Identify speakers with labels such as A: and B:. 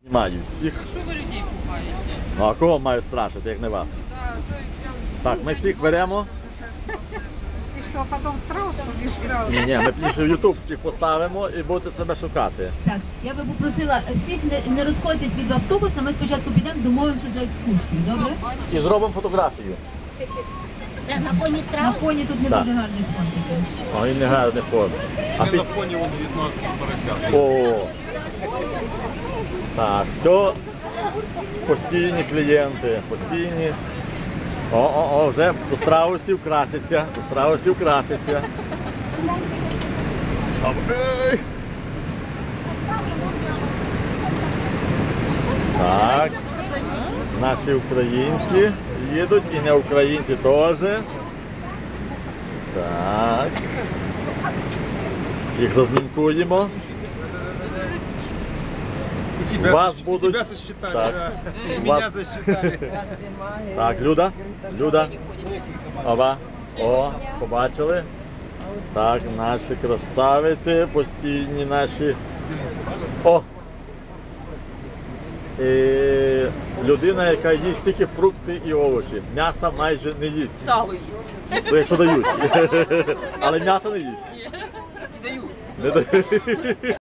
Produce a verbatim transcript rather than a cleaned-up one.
A: Маю всіх.
B: Що ви людей пугаєте?
A: Ну а кого маю страшити, як не вас? Так, ми всіх беремо.
C: І що, потім страус побіж грав?
A: Ні, ні, ми пізніше в Ютуб всіх поставимо і будете себе шукати.
D: Так, я би попросила всіх не, не розходитись від автобуса, ми спочатку підемо, домовимося за екскурсію, добре?
A: І зробимо фотографію.
E: На фоні
D: На
E: страусу?
D: фоні тут не
A: Так.
D: дуже гарний фон такий.
A: О, він не гарний фон. А
F: Ми
A: піс...
F: на фоні вон в'єтнамських поросят.
A: О. Так, все. Постійні клієнти, постійні. О-о-о, вже до страусів краситься, до страусів краситься. Ой. Так. Наші українці їдуть і не українці теж. Так. Всіх зазнімкуємо.
F: Тебя,
A: Вас
F: сосч-
A: будуть-
F: тебя сосчитали,
A: Так.
F: да. И
A: Вас-
F: меня засчитали.
A: Так, Люда, Люда. Оба. О, побачили? Так, наші красавиці, постійні наші. О! І людина, яка їсть тільки фрукти і овочі. М'яса майже не їсть.
B: Сало їсть.
A: То якщо дають. Але м'ясо не їсть.
B: Не даю.
A: Не дають.